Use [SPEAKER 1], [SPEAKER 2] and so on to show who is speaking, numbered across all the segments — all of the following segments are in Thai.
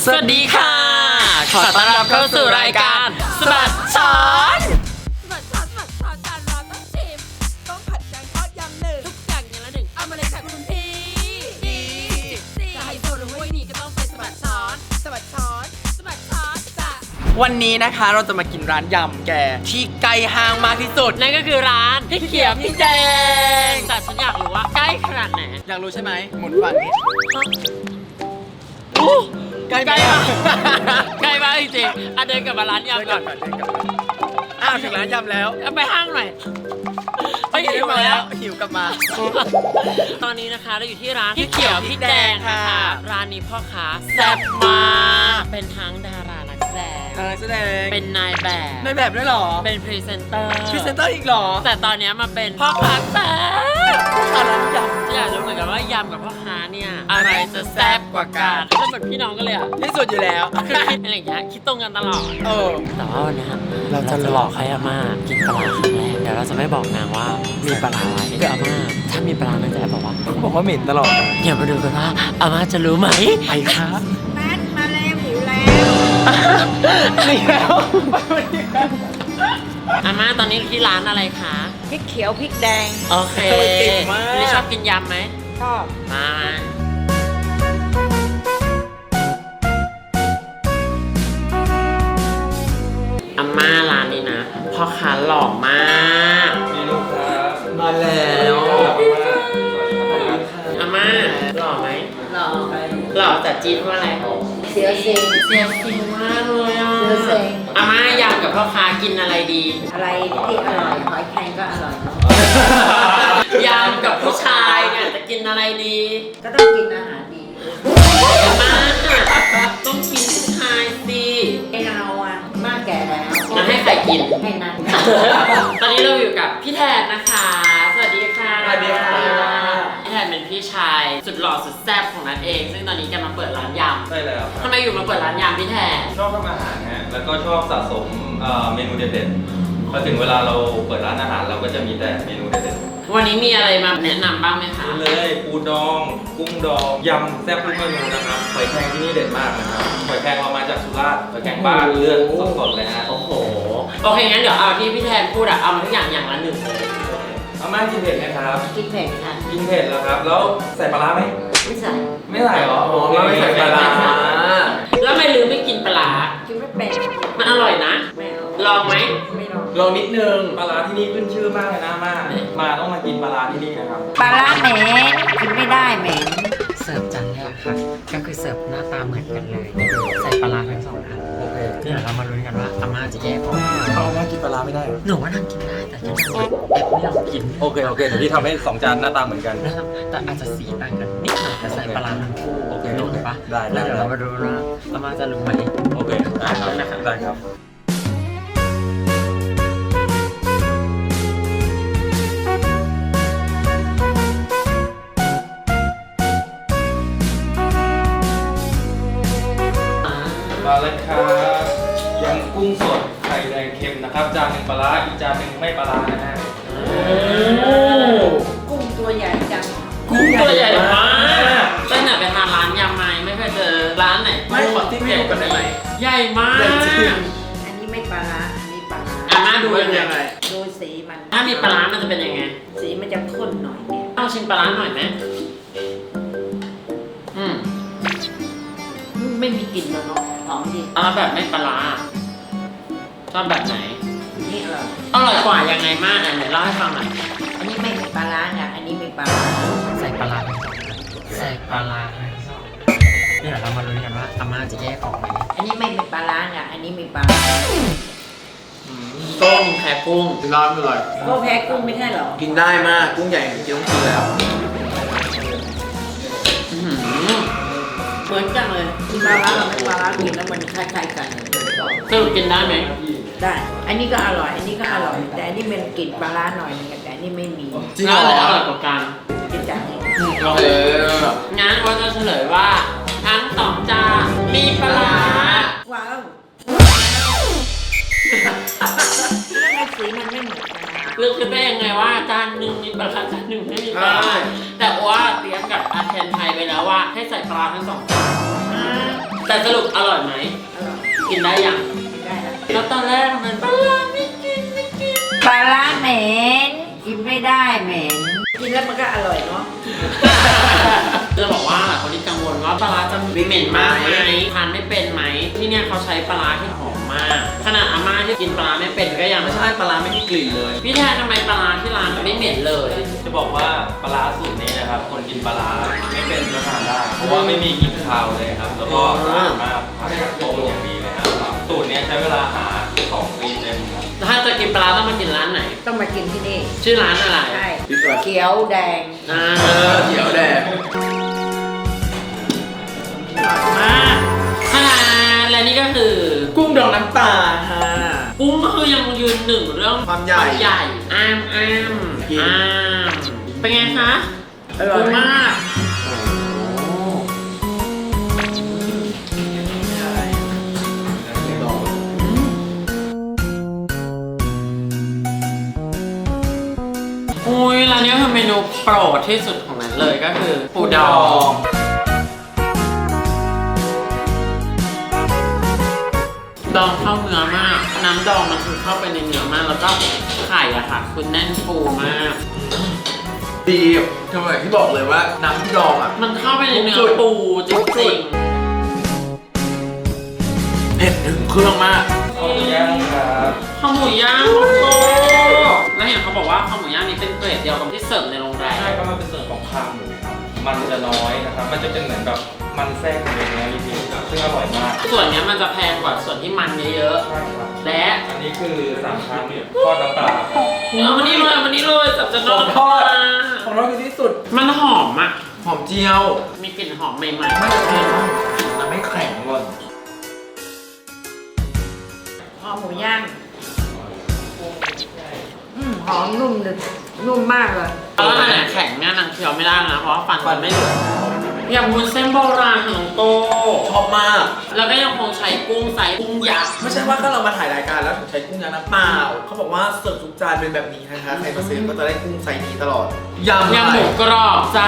[SPEAKER 1] สวัสดีค่ะขอต้อนรับเข้าสู่รายการสบัดช้อน
[SPEAKER 2] สบัดช้อนจานร้อนต้องชิมต้องผัดแกงทอดยำหนึ่งทุกอย่างอย่างละหนึ่งเอามาเลยค่ะคุณพี่ดีจะให้โซนห้วยนี่ก็ต้องไปสบัดช้อนจ้ะ
[SPEAKER 1] วันนี้นะคะเราจะมากินร้านยำแกที่ใกล้ห้างมากที่สุด
[SPEAKER 3] นั่นก็คือร้านพี่เขียวพี่แดงแต่ฉันอยากรู้ว่าใกล้ขนาดไหน
[SPEAKER 1] อยากรู้ใช่ไหมหมุนฝั่งนี้ ใกล้
[SPEAKER 3] ใกล้
[SPEAKER 1] มาม
[SPEAKER 3] าก กใกล้มากจริงๆเดินกลับมาร้านยำก่อน
[SPEAKER 1] เดินกลับอ้าวถึงร้านยำแล้ว
[SPEAKER 3] เอาไปห้างหน่อยไป
[SPEAKER 1] หิ
[SPEAKER 3] หิ
[SPEAKER 1] ว
[SPEAKER 3] ว
[SPEAKER 1] มา
[SPEAKER 3] มา
[SPEAKER 1] แล้
[SPEAKER 3] แล้ว ว
[SPEAKER 1] หิวกลับมา
[SPEAKER 3] ตอนนี้นะคะเราอยู่ที่ร้านพี่เขียวพี่แดงค่ะ
[SPEAKER 1] ค่ะ
[SPEAKER 3] ร้านนี้พ่อค้าแซ่บมากเป็นทั้งดารานักแสดง
[SPEAKER 1] แสดง
[SPEAKER 3] เป็นนายแบบ
[SPEAKER 1] ในแบบด้วยเหรอ
[SPEAKER 3] เป็นพรีเซนเตอร์
[SPEAKER 1] พรีเซนเตอร์อีกเหรอ
[SPEAKER 3] แต่ตอนนี้มาเป็นพ่อค้าแซ่บ
[SPEAKER 1] ร้านย
[SPEAKER 3] ฉันอยากรู้เหมือนกันว่ายำกับพ่อค้าเนี่ยอะไรจะแซ่บกว่ากันก็เหมือนพี่น้องกันเลยอ่ะ
[SPEAKER 1] ำที่สุดอยู่แล้ว
[SPEAKER 3] คือคิดอะไรอย่างเงี้ยคิดตรงกันตลอด
[SPEAKER 1] เออ
[SPEAKER 3] แต่ว่าวันนี้
[SPEAKER 1] เราจะ
[SPEAKER 3] หลอกให้อาม่ากินปลาร้าครั้งแรกเดี๋ยวเราจะไม่บอกนางว่ามีปลาร้าอะไรคืออาม่าถ้ามีปลาร้านางจะแอบบอกว่า
[SPEAKER 1] บอกว่าเหม็นตลอด
[SPEAKER 3] เดี๋ยวมาดูกันว่าอาม่าจะรู้ไหม
[SPEAKER 1] ไปครับ
[SPEAKER 2] แม่มาแล้วหิวแล้ว
[SPEAKER 1] นี่แล้วไปวันนี้แล้ว
[SPEAKER 3] อาม่าตอนนี้ที่ร้านอะไรคะ
[SPEAKER 2] พริกเขียวพริกแดง
[SPEAKER 3] โอเค
[SPEAKER 1] เก่งมาก
[SPEAKER 3] นี่ชอบกินยำไหม
[SPEAKER 2] ชอบ
[SPEAKER 3] มาอาม่าร้านนี้นะพ่อค้าหล่อมาก
[SPEAKER 1] มาแล้ว
[SPEAKER 3] อาม่าหล่อไหม
[SPEAKER 2] หล่อ
[SPEAKER 3] หล่อแต่จีนว่าอะไร
[SPEAKER 2] เสียวเซ็ง
[SPEAKER 3] เสียฟิลมากเลยอ่ะ
[SPEAKER 2] เสียเซ็ง
[SPEAKER 3] อาม่ายำกับพ่อค้ากินอะไรดี
[SPEAKER 2] อะไรที่อร่อยหอยแครงก็อร่อยเนาะ
[SPEAKER 3] ยำกับผู้ชายเนี่ยจะกินอะไรดี
[SPEAKER 2] ก็ต้องกินอาหารดี
[SPEAKER 3] อาม่าต้องกินผู้ชายสิ
[SPEAKER 2] ให้เราอ่ะมากแก่แล้ว
[SPEAKER 3] งั้นให้ใครกิน
[SPEAKER 2] ให้นัน
[SPEAKER 3] ตอนนี้เราอยู่กับพี่แทนนะคะ สวัสดีค่ะ
[SPEAKER 1] สวัสดีค่ะ
[SPEAKER 3] พี่แทนเป็นพี่ชายสุดหล่อสุดแซ่บของนัทเอง ซึ่งตอนนี้แกมาเปิดร้านย
[SPEAKER 4] ใช่แล้ว
[SPEAKER 3] ำทำไมอยู่มาเปิดร้านยำพี่แทน
[SPEAKER 4] ชอบทำอาหารฮะแล้วก็ชอบสะสมเมนูเด็ดๆพอถึงเวลาเราเปิดร้านอาหารเราก็จะมีแต่เมนูเด็ด
[SPEAKER 3] วันนี้มีอะไรมาแนะนำบ้างไหมคะ
[SPEAKER 4] ๆเลยปูดอง กุ้งดองยำแซ่บทุกเมนูนะครับหอยแครงที่นี่เด็ดมากนะครับหอยแครงเรามาจากสุราษฎร์หอยแครงบ้านเลือดสดๆเลยฮะ
[SPEAKER 3] โอ้โห โอเคงั้นเดี๋ยวเอาที่พี่แทนพูดอะเอามาทุกอย่างอย่างละหนึ่งเลย
[SPEAKER 4] อาม่ากินเผ็ดไหมครับ
[SPEAKER 2] กินเผ็ดค่ะ
[SPEAKER 4] กินเผ็ดแล้วครับ แล้วใส่ปลาร้าไหม
[SPEAKER 2] ไม่ใส่
[SPEAKER 4] ไม่ใส่เหรอ
[SPEAKER 1] อ๋อไม่ใส่ปลาร้า
[SPEAKER 3] แล้วทำไม่ลืมไม่กินปลาร้า
[SPEAKER 2] กินไม่เป็น
[SPEAKER 3] มันอร่อยนะ
[SPEAKER 2] ไม่เอา
[SPEAKER 3] ลองไหม
[SPEAKER 2] ไม่ลอง
[SPEAKER 1] ลองนิดนึง
[SPEAKER 4] ปลาร้าที่นี่ขึ้นชื่อมากเลยนะอาม่ามาต้องมากินปลาร้าที่นี่นะครับ
[SPEAKER 2] ปลาร้าเหม็นกินไม่ได้เหม็น
[SPEAKER 5] เสิร์ฟจานแรกค่ะก็คือเสิร์ฟหน้าตาเหมือนกันเลย ใส่ปลาร้าทั้งสองอัน
[SPEAKER 1] โอเค
[SPEAKER 5] เดี๋ยวเรามาลุ้นกันว่าอาม่าจะแยกออก
[SPEAKER 1] เขาว่ากินปลาร้าไม่ได้เหรอ
[SPEAKER 5] หนูว่านั่งกินได้แต่ฉันนั่งแอบไม่ยอมกิน
[SPEAKER 4] โอเคโอเคเดี๋ยวพี่ทำให้2 จานหน้าตาเหมือนกัน
[SPEAKER 5] นะครับแต่อาจจะสีต่างกันนิดหน่อยแต่ใส่ปลาร้าทั้งคู่
[SPEAKER 4] โอเค
[SPEAKER 5] ถูกปะ
[SPEAKER 4] ได้
[SPEAKER 5] แล้วเดี๋ยวเรามาดูว่าอาม่าจะรู้ไหม
[SPEAKER 4] โอเคได้ครับได้ครับ มาแล้วครับยำกุ้งสดไข่แดงเค็มนะครับ จานหนึ่งปลาร้าอีกจานหนึ่งไม่ปลาร้านะฮะ
[SPEAKER 2] กุ้งตัวใหญ่จัง
[SPEAKER 3] กุ้งตัวใหญ่มากตั้งแต่ไปทานร้านยำมาไม่เคยเจอร้านไหน
[SPEAKER 1] ไม่ขอที่ไม่รู้กันได้ไหม
[SPEAKER 3] ใหญ่มาก
[SPEAKER 1] ใหญ่จริง
[SPEAKER 2] อันนี้ไม่ปลาร้าอันนี้ปลาร้า
[SPEAKER 3] อาม่าดูยัง
[SPEAKER 1] ยัง
[SPEAKER 3] ไง
[SPEAKER 1] ไง
[SPEAKER 2] ดูสีมัน
[SPEAKER 3] ถ้ามีปลาร้ามันจะเป็นยังไง
[SPEAKER 2] สีมันจะข้นหน่อยเนี่ย
[SPEAKER 3] ต้องชิมปลาร้าหน่อยไหมอืม
[SPEAKER 2] ไม่มีกลิ่นเลยเนาะหอมดี
[SPEAKER 3] เอาแบบไม่ปลาร้าชอบแบบไหน
[SPEAKER 2] นี่อร่อย
[SPEAKER 3] อร่อยกว่ายังไงมากไหนเล่าให้ฟังหน่อย
[SPEAKER 2] อันนี้ไม่มีปลาร้านะอันนี้มีปลาร้า
[SPEAKER 5] ใส่ปลาร้าทั้งสองอันใส่ปลาร้าทั้งสองเดี๋ยวเรามาลุ้นกันว่าอาม่าจะแยกออกไหม
[SPEAKER 2] อันนี้ไม่มีปลาร้านะอันนี้มีปลาร้า
[SPEAKER 3] ต้มแพ้กุ้ง
[SPEAKER 1] ร้านอร่อย
[SPEAKER 2] ก็แพ้กุ้งไม่ใช่เหรอ
[SPEAKER 1] กินได้มากกุ้งใหญ่กินต้องกินแล้ว
[SPEAKER 3] อื้อหือเหมือนกันเลย
[SPEAKER 2] ปลาร้าเราไม่ปลาร้ากินแล้วมันคล้ายๆกัน
[SPEAKER 3] สรุปกินได้ไหม
[SPEAKER 2] ได้ อันนี้ก็อร่อย อันนี้ก็อร่อย แต่อันนี้มันกลิ่นปลาร้าหน่อยนึงแต่อันนี้ไม่มี
[SPEAKER 1] จริงเหร
[SPEAKER 3] แล้ว
[SPEAKER 1] อ
[SPEAKER 3] อะไรอร่อยกว่ากัน
[SPEAKER 2] กินจากนี้
[SPEAKER 1] โอเค
[SPEAKER 3] งั้นว่าจะเฉลยว่าทั้งสองจานมีปลาร้า
[SPEAKER 2] ว้าวแล้วไงสีมันไม่เหมือนกันนะ
[SPEAKER 3] เลือกคิดได้ยังไงว่าจานหนึ่งมีปลาร้าจานหนึ่งไม่มีปลาร้าแต่ว่าเตรียมกับอาเทนไทยไปแล้วว่าให้ใส่ปลาร้าทั้งสองจาน
[SPEAKER 1] แต่สรุปอร่อยไหม
[SPEAKER 2] อร่อย
[SPEAKER 1] กินได้ยัง
[SPEAKER 2] ได้แล้ว
[SPEAKER 1] แล้วตอนแรกมันปลาร้าไม่กิน
[SPEAKER 2] ปลาร้าเหม็นกินไม่ได้เหม็นกินแล้วมันก็อร่อยเนาะ
[SPEAKER 1] จะบอกว่าคนที่กังวลว่าปลาร้าจะเหม็นมากไหมทานไม่เป็นไหมที่เนี่ยเขาใช้ปลาร้าที่หอมมาก ขนาดอาม่าที่กินปลาร้าไม่เป็นก็ยัง
[SPEAKER 4] ไม่ใช่ปลาร้าไม่มีกลิ่นเลย
[SPEAKER 1] พี่แทนทำไมปลาร้าที่ร้านไม่เหม็นเลย
[SPEAKER 4] จะบอกว่าปลาร้าสูตรนี้นะครับ คนกินปลาร้าไม่เป็นก็ทานได้ เพราะว่าไม่มีกลิ่นคาวเลยครับ แล้วก็สะอาดมากผัดกับต้มอย่างดีเลยครับสูตรนี้ใช้เวลาหา2 ปีเต็มครับ
[SPEAKER 1] ถ้าจะกินปลาร้าต้องมากินร้านไหน
[SPEAKER 2] ต้องมากินที่นี่
[SPEAKER 1] ชื่อร้านอะไร
[SPEAKER 2] ใช่เขียวแดง
[SPEAKER 1] อ่า
[SPEAKER 4] เขียวแดง
[SPEAKER 1] มากและนี่ก็คือ
[SPEAKER 5] กุ้งดองน้ำปลาฮะ
[SPEAKER 1] กุ้งก็คือยังยืนหนึ่งเรื่อง
[SPEAKER 5] ความใหญ่
[SPEAKER 1] อ้าม
[SPEAKER 5] กิน
[SPEAKER 1] เป็นไงคะ
[SPEAKER 2] อร่อยมาก
[SPEAKER 1] อุ้ยร้านนี้คือเมนูโปรดที่สุดของนั้นเลยก็คือปูดอง ดองเข้าเนื้อมาก น้ำดองมันคือเข้าไปในเนื้อมาก แล้วก็ไข่อะค่ะคือแน่นฟูมาก
[SPEAKER 5] ดีทำไมที่บอกเลยว่าน้ำที่ดองอ่ะ
[SPEAKER 1] มันเข้าไปในเนื้อปูจริง
[SPEAKER 5] เผ็ดถึงเครื่องมาก
[SPEAKER 4] ข้าวหมูย่างครับ
[SPEAKER 1] ๆข้าวหมูย่างของโตแล้วเห็นเขาบอกว่าข้าวหมูย่างนี้เป็นเกรดเดียวกับที่เสิร์ฟในโรงแรม
[SPEAKER 4] ใช่ก็มันเป็นส่วนของคางหมูครับ มันจะน้อยนะครับ มันจะเป็นเหมือนแบบมันแทรกอยู่ในเนื้อนิดนึงครับซึ่งอร่อยมาก
[SPEAKER 1] ส่วนเนี้ยมันจะแพงกว่าส่วนที่มันเยอะ
[SPEAKER 4] ใช่ครับ
[SPEAKER 1] ๆ และ
[SPEAKER 4] อันนี้คือ3 ชั้นทอดน้ำปลา
[SPEAKER 1] เอามานี่เลยสับจะนอก
[SPEAKER 5] ของทอด ของเราคือที่สุด
[SPEAKER 1] มันหอมอะ
[SPEAKER 5] หอมเจียว
[SPEAKER 1] มีกลิ่นหอมใหม่
[SPEAKER 5] ไม่เผ็ดแต่ไม่แข็งเลย
[SPEAKER 2] หอมหมูย่างหอมนุ่มเลยนุ่มมากเลย
[SPEAKER 1] ๆแล้วอันไหนแข็งเนี่ยนางเคี้ยวไม่ได้นะ เพราะว่าฟันมันไม่เหลืออย่างวุ้นเส้นโบราณของโต
[SPEAKER 5] ชอบมาก
[SPEAKER 1] แล้วก็ยังคงใช้กุ้งไซส์กุ้งยักษ์
[SPEAKER 5] ไม่ใช่ว่าถ้าเรามาถ่ายรายการแล้วถึงใช้กุ้งยางน้ำเปล่า เขาบอกว่าเสิร์ฟทุกจานเป็นแบบนี้นะคะ ใครมาซื้อก็จะได้กุ้งไซส์นี้ตลอด ยำ
[SPEAKER 1] ยำหมูกรอบจ้า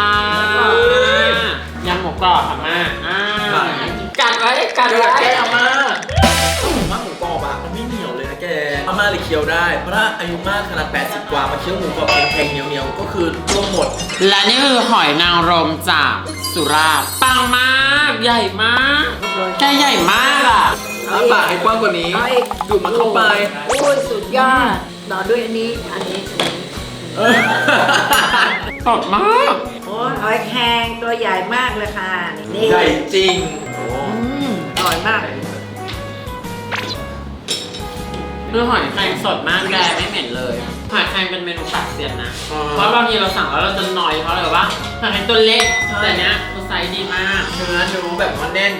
[SPEAKER 1] ยำหมูกรอบค่ะมากัดไว้กัด
[SPEAKER 5] เดี๋ยว
[SPEAKER 1] ไว้
[SPEAKER 5] แกอาม่าผมว่าหมูกรอบอะมันไม่เหนียวเลยนะแกอาม่าเลยเคี้ยวได้ เพราะถ้าอายุมากขนาด80 กว่ามาเคี้ยวหมูกรอบแข็งๆเหนียวๆก็คือร่วงหมด
[SPEAKER 1] และนี่คือหอยนางรมจากสุราษฎร์ปังมากใหญ่มากแกใหญ่มากอ่ะ
[SPEAKER 5] ปากให้กว้างกว่านี้
[SPEAKER 2] เอาอีก
[SPEAKER 5] ดูดมันเข้าไป
[SPEAKER 2] โอ้ยสุดยอดต่อด้วยอันนี้
[SPEAKER 1] สดมาก
[SPEAKER 2] โอ้ยหอยแครงตัวใหญ่มากเลยค่ะ นี่
[SPEAKER 5] ใหญ่จริง
[SPEAKER 2] อร่อยมาก
[SPEAKER 1] คือหอยแครงสดมากแกไม่เหม็นเลยหอยแครงเป็นเมนูปากเซียนนะ
[SPEAKER 5] อ๋อ
[SPEAKER 1] เพราะบางทีเราสั่งแล้วเราจะนอยเพราะอะไรว่าหอยแครงตัวเล็ก
[SPEAKER 5] ใช่
[SPEAKER 1] แต่เนี้ยตัวไซส์ดีมาก
[SPEAKER 5] เนื้อแบบว่าแน่น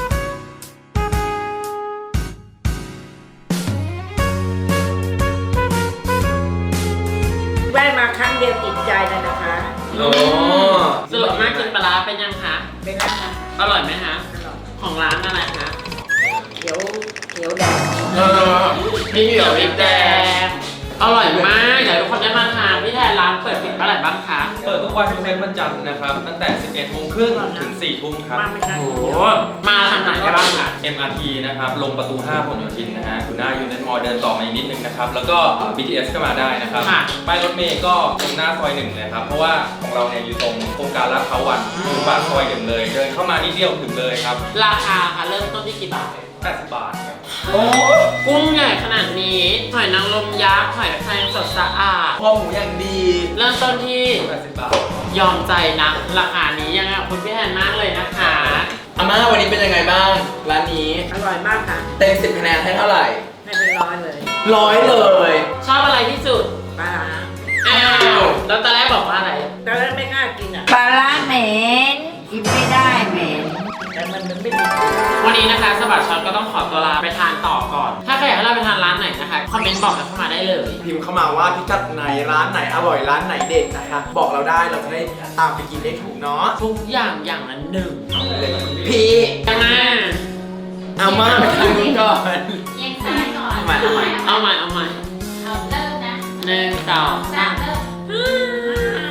[SPEAKER 2] แวะมาครั้งเดียวติดใจเลยนะคะ
[SPEAKER 5] โอ้
[SPEAKER 1] สรุปมากกินปลาร้าเป็นยังคะ
[SPEAKER 2] เป็นไงคะ
[SPEAKER 1] อร่อยไหมคะ
[SPEAKER 2] อร่อย
[SPEAKER 1] ของร้านอะไรคะ
[SPEAKER 2] เขียวแดง
[SPEAKER 1] พี่เหี่ยวพริกแดงอร่อยมากเดี๋ยวทุกคนได้มาทานพี่แทนร้านเปิดปิดเมื่อไหร่บ้างคะ
[SPEAKER 4] เปิดทุกวันยกเว้นวันจันทร์นะครับ ตั้งแต่ 11 โมงครึ่งถึง 4 ทุ่มครับ
[SPEAKER 2] มาไม่ทัน
[SPEAKER 1] โอ้โหมาทางไหนได้บ้างคะ
[SPEAKER 4] MRT นะครับ ลงประตู 5 พหลโยธินนะฮะคุณหน้ายูเนนมอลเดินต่อมาอีกนิดนึงนะครับ แล้วก็ BTS ก็มาได้นะครับ
[SPEAKER 1] ค่ะ
[SPEAKER 4] ป้ายรถเมย์ก็ตรงหน้าซอย1นะครับ เพราะว่าของเราเนี่ยอยู่ตรงโครงการลาดพร้าววันอยู่ปากซอย1เลย เดินเข้ามานิดเดียวถึงเลยครับ
[SPEAKER 1] ราคาค่ะเริ่มต้นที่กี่บาท
[SPEAKER 4] 80 บาทครับ
[SPEAKER 5] โอ้
[SPEAKER 1] กุ้งใหญ่ขนาดนี้หอยนางรมยักษ์หอยแครงสดสะอาด
[SPEAKER 5] พอหมูอย่างดี
[SPEAKER 1] เริ่มต้นที่
[SPEAKER 4] 80 บาท
[SPEAKER 1] ยอมใจนะ ราคานี้ยังไงขอบคุณพี่แทนมากเลยนะคะ
[SPEAKER 5] อาม่าวันนี้เป็นยังไงบ้าง ร้านนี้
[SPEAKER 2] อร่อยมากค่ะ
[SPEAKER 5] เต็ม10 คะแนนให้เท่าไหร่
[SPEAKER 2] ให้เป็นร้อยเลย
[SPEAKER 5] 100 เลย
[SPEAKER 1] ชอบอะไรที่สุด
[SPEAKER 2] ปลาร้า
[SPEAKER 1] อ้าวแล้วตอนแรกบอกว่าอะไร
[SPEAKER 2] ตอนแรกไม่กล้ากินอ่ะปลาร้าเหม็นกินไม่ได้เหม็นแต่มันไม่มีกลิ่น
[SPEAKER 1] วันนี้นะคะสะบัดช็อตก็ต้องขอตัวลาไปทานต่อก่อน ถ้าใครอยากให้เราไปทานร้านไหนนะคะ คอมเมนต์บอกกันเข้ามาได้เลย
[SPEAKER 5] พิมพ์เข้ามาว่าพิกัดไหนร้านไหนอร่อยร้านไหนเด็ดนะคะ บอกเราได้เราจะได้ตามไปกินได้ถูกเนาะ
[SPEAKER 1] ทุกอย่างอย่างละหนึ่ง
[SPEAKER 5] พี่
[SPEAKER 1] กันนะ
[SPEAKER 5] อาม่าไปทางนู้นก่อน
[SPEAKER 6] เอียงซ้ายก่อน
[SPEAKER 5] เอาใหม่เอาใหม่
[SPEAKER 1] เอาใหม่เอาใหม่
[SPEAKER 6] เอาเริ่มนะ
[SPEAKER 1] หนึ่งสอง
[SPEAKER 6] สามเริ่ม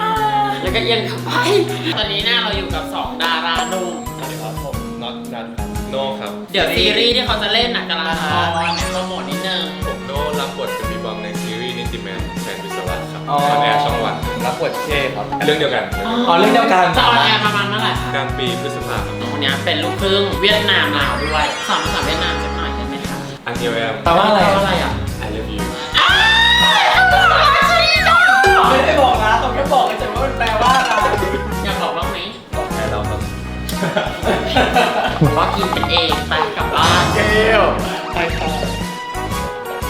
[SPEAKER 1] แล้วก็เอียงเข้าไป ตอนนี้เนี่ยเราอยู่กับ 2 ดาราหนุ่ม
[SPEAKER 4] สวัสดีครับผมน็อตนันครับ
[SPEAKER 7] ครับ
[SPEAKER 1] เดี๋ยวซีรีส์ที่เขาจะเล่นน่ะกำลังออนโปรโมทนิดนึง
[SPEAKER 7] ผมโน่รับบทเป็นบีบอมในซีรีส์นิติแมนแฟนวิศวะครับ
[SPEAKER 5] อ๋อ
[SPEAKER 7] ออนแอร์ช่องวัน
[SPEAKER 8] รับบทเช่ครับ
[SPEAKER 7] เรื่องเดียวกัน
[SPEAKER 5] อ๋อเรื่องเดียวกัน
[SPEAKER 1] จะออนแอร์ประมาณเมื่อไหร่คะ
[SPEAKER 7] กลางปีพฤษภาคม
[SPEAKER 1] น้องคนนี้เป็นลูกครึ่งเวียดนามลาวด้วยสอนภาษาเวียดนามสักหน่อยได้ไหมคะ
[SPEAKER 7] อันเดียวแอม
[SPEAKER 5] แปลว่าอะไร
[SPEAKER 1] แปลว่าอะไรอ่ะ
[SPEAKER 7] I love you
[SPEAKER 5] ไม่ได้บอกนะต้องแค่บอกเฉยๆว่ามันแปลว่าอะไร
[SPEAKER 1] อยากบอกบ้างไหม
[SPEAKER 7] บอกแค่เราครับ
[SPEAKER 1] บอกว่ากินกันเองไปกลับบ้าน
[SPEAKER 5] เกล